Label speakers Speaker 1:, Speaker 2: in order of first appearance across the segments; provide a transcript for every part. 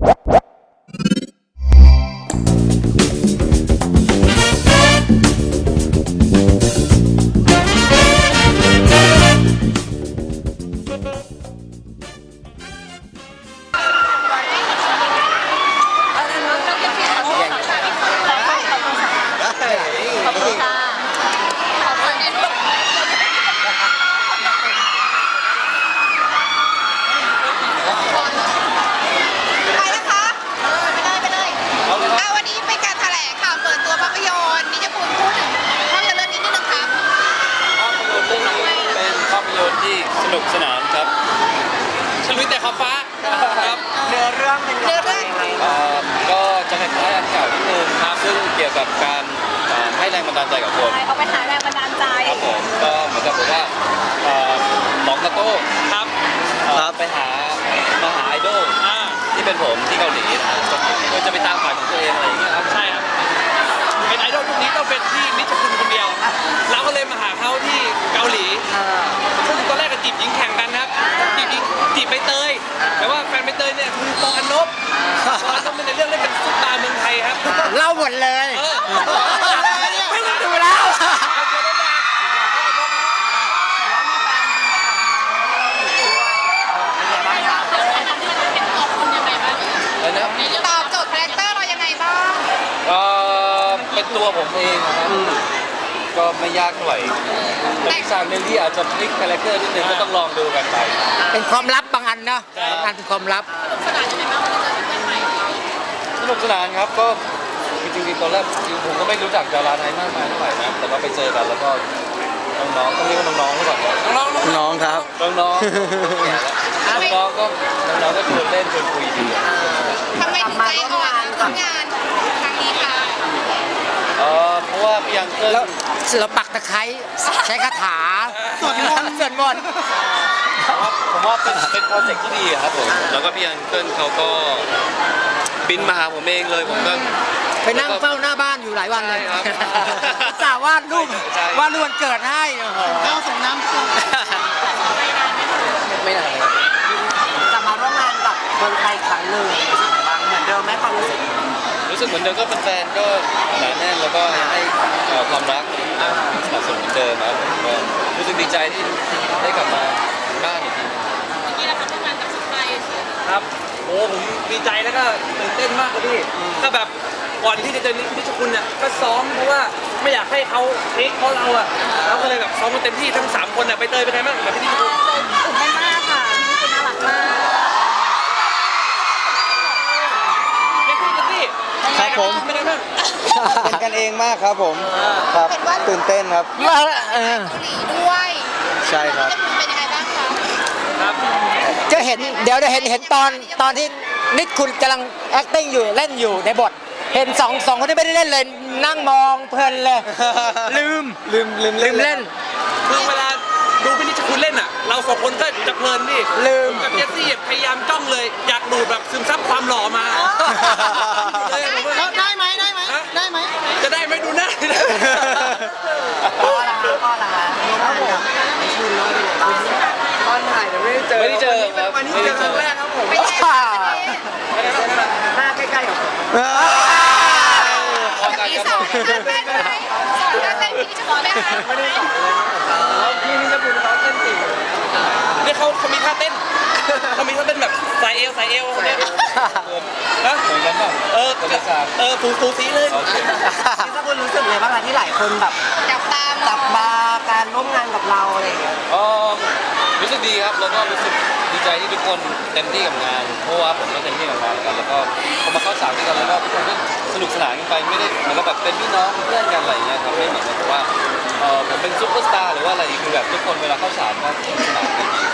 Speaker 1: สนุกสนานครับฉลุยแต่ขอบฟ้าครับ
Speaker 2: เนื้อเรื่องเป็นยังไง
Speaker 1: ก็จะคล้ายๆอันเก่านิดนึงครับซึ่งเกี่ยวกับการให้แรงบันดาลใจกับคน
Speaker 3: เอาไปหาแรงบันดาลใจ
Speaker 1: ครับผมก็เหมือนกับว่าหมองกระโต้ครับไปหาไอดอลที่เป็นผมที่เกาหลีนะครับก็จะไปตามฝันของตัวเองอะไรอย่างเงี้ยครับใช่ครับเป็นไอดอลพวกนี้ต้องเป็นที่นิชคุณคนเดียวเราก็เลยมาหาเขาที่เกาหลีซึ่งตอนแรกก็จีบหญิงแข่งกันนะครับจีบใบเตยแต่ว่าแฟนใบเตยเนี่ยคือปออันนบต้องเป็นในเรื่องเล่นเป็นซุปตาเมืองไทยครับ
Speaker 2: เล่าหมดเลยไม่ต้องดูแล้ว
Speaker 3: ตอบโจทย์คาแรคเตอร์เรายังไงบ้าง
Speaker 1: เป็นตัวผมเองนะครับก็ไม่ยากเท่าไหร่แต่อีกอย่างหนึ่งที่อาจจะพลิกคาแรคเตอร์นิดนึงก็ต้องลองดูกันไป
Speaker 2: เป็นความลับบางอันนะบางอันเป็นความลับ
Speaker 1: สนุกสนานครับก็จริงๆตอนแรกผมก็ไม่รู้จักดาราไทยมากมายเท่าไหร่นะแต่ว่าไปเจอกันแล้วก็น้องๆต้องเรียกว่าน้องๆหรือเปล่า
Speaker 2: น้องครับ
Speaker 1: น้องๆก็ชวนเล่นชวนคุยดี
Speaker 3: ทำไมถึงใจอ่อนทำงานครั้งนี้คะ
Speaker 1: เพราะว่าพี่ยังเกิ
Speaker 2: แล้วเราปักตะไคร้ใช้คาถาสวดมนต์
Speaker 1: ผมว่าเป็นโปรเจกต์ที่ดีครับผมแล้วก็พี่ยังเกิลเขาก็บินมาหาผมเองเลยผมก็
Speaker 2: ไปนั่งเฝ้าหน้าบ้านอยู่หลายวันเลยสาวาดรูปวันเกิดให้เข้าส่งน้ำ
Speaker 1: ไม่นาน
Speaker 2: จะมาร่วมงานกับเมืองไทยครั้งหนึ่งบางเหมือนเดิมไหมความรู้
Speaker 1: สึกเหมือนเดิมก็เป็นแฟนก็หนาแน่นแล้วก็ให้ความรักสนับสนุนเหมือนเดิมครับก็รู้สึกดีใจที่ได้กลับมาบ้านอีกที
Speaker 3: นี่แหละครับทำงานกับสุดใจ
Speaker 1: ครับโอ้ผมดีใจแล้วก็ตื่นเต้นมากเลยพี่ก็แบบก่อนที่จะเจอนิชคุณเนี่ยก็ซ้อมเพราะว่าไม่อยากให้เขาเทคเพราะเราอะแล้วก็เลยแบบซ้อมกันเต็มที่ทั้ง3คนเนี่ยไปเตยเป็นไงบ้างแบบพี่นิชคุณ
Speaker 3: ตื่นเต้นมากค่ะนิชคุณน่ารักมาก
Speaker 1: ครับผมเป็นกันเองมากครับผมครับตื่นเต้นครับ
Speaker 3: เกาหลีด้วย
Speaker 1: ใช่ครับ
Speaker 3: เป็นยังไงบ้างครับ
Speaker 2: จะเห็นเดี๋ยวจะเห็นตอนที่นิชคุณกำลัง acting อยู่เล่นอยู่ในบทเห็นสองคนที่ไม่ได้เล่นเลยนั่งมองเพลินเลยลืมเล่น
Speaker 1: คือเวลาดูพี่นิชคุณเล่นอ่ะเรา2คนก็จะเพลินดิ
Speaker 2: ลืม
Speaker 1: กับเจสซี่พยายามจ้องเลยอยากดูดแบบซึมซับความหล่อมา
Speaker 2: ได้ไหม
Speaker 1: จะได้ไหมดูหน้า
Speaker 2: พ่อละตอนถ่ายแต่ไม่ได้เจอ
Speaker 1: ครับ
Speaker 2: วันนี้เจอครั้งแรกครับผมหน้าใกล้ๆกับผม
Speaker 3: พี่สอนเต้นไหมพี่จะสอนไหมคะ
Speaker 2: ไม่ได้สอนเลยพี่นิชคุณเขาเต้นเก่ง
Speaker 1: นี่เขามีท่าเต้นแบบสายเอวเนี่ยนะเหมือนกันป่ะฟูซีเลย
Speaker 2: นิชคุณรู้สึกเลยบ้างคะที่หลายคนแบบจับตาการร่วมงานกับเราอะไรอย่างเงี้ย
Speaker 1: รู้สึกดีครับแล้วก็รู้สึกดีใจที่ทุกคนเต็มที่กับงานเพราะว่าผมก็เต็มที่กับงานกันแล้วก็พอมาเข้าฉากด้วยกันแล้วก็ทุกคนก็สนุกสนานกันไปไม่ได้เหมือนกับแบบเป็นพี่น้องเพื่อนกันอะไรอย่างเงี้ยครับไม่เหมือนกับว่าผมเป็นซุปเปอร์สตาร์หรือว่าอะไรคือแบบทุกคนเวลาเข้าฉากก็สนุกสนานกันดี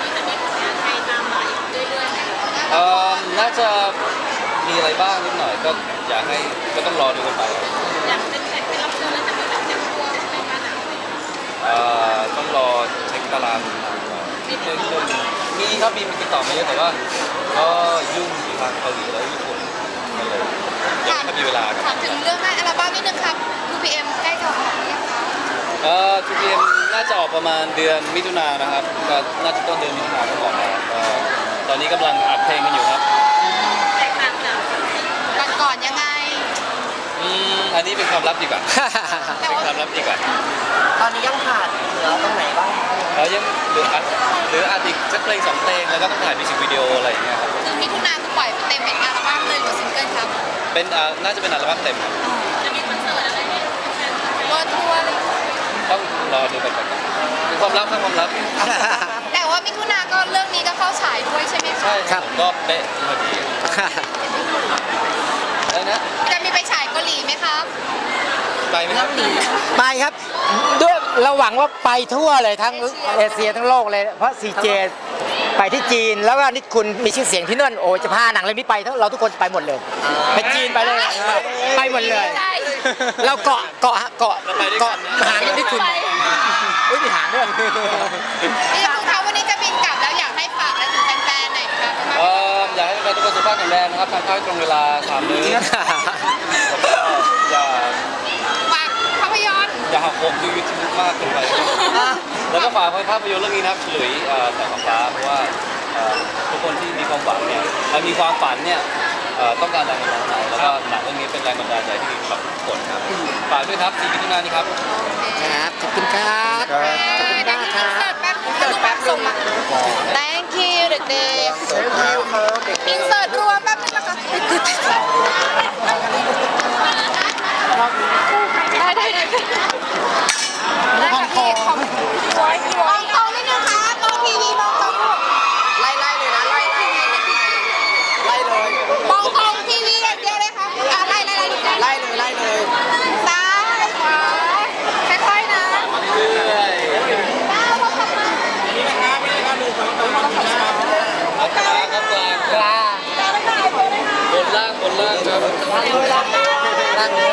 Speaker 1: น่าจะมีอะไรบ้างนิดหน่อยก็อยากให้ก็ต้องรอดูกันไป
Speaker 3: อยากเป็นแขกเป็นรับเชิญแล้วจะมีแบบแต่งตัวเป็นมาหนัง
Speaker 1: ต้องรอเช็คตารางนิดนึงมีครับมีติดต่อมาเยอะแต่ว่าก็ยุ่งอยู่ทางเกาหลีแล้วญี่ปุ่นมาเลยยังไม่มีเวลา
Speaker 3: ถามถึงเรื่องอัลบั้มนิดนึงครับ 2PM ใกล้จะออกหรือยังคะ
Speaker 1: 2PM น่าจะออกประมาณเดือนมิถุนายนนะครับก็น่าจะต้นเดือนมิถุนายนก็ออกมาตอนนี้กำลังอัดเพลงกันอยู่ครับ
Speaker 3: แตกต่าง
Speaker 1: นนี้เป็นความลับดีกว่า
Speaker 3: แต่
Speaker 1: เป็น
Speaker 3: ว่า
Speaker 1: ความลับดีกว่า
Speaker 4: ตอนนี้ยังขาดเหลือตรงไหนบ้าง
Speaker 1: ยังเหลืออัดอีกสักเพลง2เพลงแล้วก็ต้องถ่ายมิวสิกวิดีโออะไรอย่างเงี้ยครับ
Speaker 3: คือมิถุนาคือปล่อยเต็มเป็นอัลบั้มเลยหรือซิงเกิลครับ
Speaker 1: เป็นน่าจะเป็นอัลบั้มเต็มครับ
Speaker 3: จะมีคอนเสิร์ตอะไรเนี่ยเวิร์ทัวร์อะไร
Speaker 1: ต้องรอดูกันก่อนเป็นความลับครับความลับ
Speaker 3: แต่ว่ามิถุนาก็เรื่องนี้ก็เข้าฉายด้วยใช่ไหมคะ
Speaker 1: ใช่
Speaker 2: ครับ
Speaker 1: ก็เป๊ะพอดีอะไรนะ
Speaker 3: จะมีไปฉายเกาหลีไหมครับ
Speaker 1: ไปไหมครับ
Speaker 2: ไปครับด้วยเราหวังว่าไปทั่วเลยทั้งเอเชียทั้งโลกเลยเพราะ CJ ไปที่จีนแล้วก็นิดคุณมีชื่อเสียงที่นั่นโอ้จะพาหนังเรื่องนี้ไปเราทุกคนไปหมดเลยไปจีนไปเลยไปหมดเลย
Speaker 3: ใช่
Speaker 2: เราเกาะหางนิดคุณอุ้ยมีหางด้วย
Speaker 3: นี่คือเขาวันนี้จะบินกลับแล้วอยากให้ฝากอะไรถึงแฟนๆหน่อยครับ
Speaker 1: อยากให้แฟนๆทุกคนสุขภาพแข็งแรงนะครับทานข้าวให้ตรงเวลา3 มื้อแล้วก็
Speaker 3: ฝากภาพยนตร์
Speaker 1: อย่าหักโหมดู YouTube มากเกินไปแล้วก็ฝากภาพยนตร์เรื่องนี้นะครับเฉลยแสงฟ้าเพราะว่าทุกคนที่มีความฝันเนี่ยมีความฝันเนี่ยต้องการแรงบันดาลใจแล้วก็หนังเรื่องนี้เป็นแรงบันดาลใจที่ดีสำหรับทุกคนครับฝากด้วยครับ4 มิถุนายนนี้ครับ
Speaker 2: ครับขอบคุณครับ
Speaker 3: ขอบคุณมากค่ะอินเสิร์ตแป๊บส่งมา thank you เด็กๆอินเสิร์ตรวมแป๊บนึงนะคะได้ได้ค่ะพี่ของกองนิดนึงค่ะกองทีวีมองกอง
Speaker 4: ไล่เลยนะไล่เลย
Speaker 3: มองกองทีวีอย่างเดียวเลยค่ะไล่
Speaker 4: ไล่เลย
Speaker 3: ซ้ายขวาค่อยๆนะ
Speaker 1: เรื่อยๆ
Speaker 3: ก้าวเข้ามา
Speaker 1: เอากลางครับกลาง
Speaker 2: กลา
Speaker 1: บนล่างครับ
Speaker 2: นั่งเรือ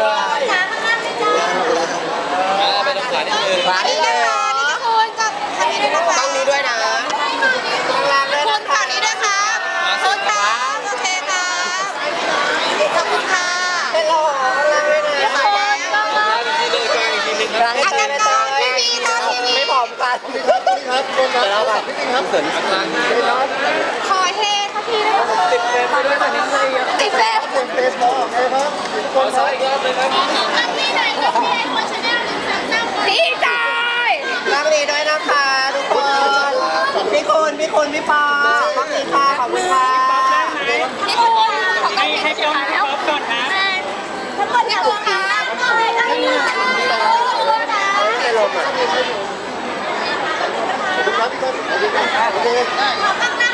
Speaker 1: ไปตรงขานิดนึง
Speaker 2: ขวา
Speaker 3: นี่
Speaker 2: นี่
Speaker 3: นะ
Speaker 2: เลย
Speaker 3: คะนี่ทุกคนกับทางนี้ด้วยนะคะ
Speaker 4: ต้องนี้ด้วยนะ
Speaker 3: คุณฝั่งนี้ด้วยครับคุณครับโอเคครับขอบคุณค่ะ
Speaker 4: เป็นโลข้างล่างด้วยนะ
Speaker 3: ขอบคุณมาก
Speaker 1: กลางอีกทีนึงกลางอีกทีนึงครับ
Speaker 3: อาจารย์กองทีวีตอนทีวี
Speaker 4: ไม่พร้อมกันครับคนครับแล้วกันพี่ครับเสริม
Speaker 1: กลาง
Speaker 3: ขอเฮค่ะพี่ด้วย
Speaker 4: ติดเฟซไปด้วยตอนนี้เลยเยอะ
Speaker 3: ติดแฟน
Speaker 4: ติดเฟซบอกเลยครับ
Speaker 1: ขอซ้ายอีกรอบเลยครับ
Speaker 3: พี่จอย
Speaker 4: รักดีด้วยนะคะทุกคนพี่คุณพี่ปอรักดีค่ะขอบคุณค่ะ
Speaker 3: พี่คุณขอกล้องเก็บถ่ายแล้วก่อนนะทั้งหมดพี่คุณค่ะได้เลยนะ
Speaker 4: ไม่ลมอ่ะขอบคุณครับพี่คุณขอบคุณครับโอเค
Speaker 3: ขอตั้งหน้า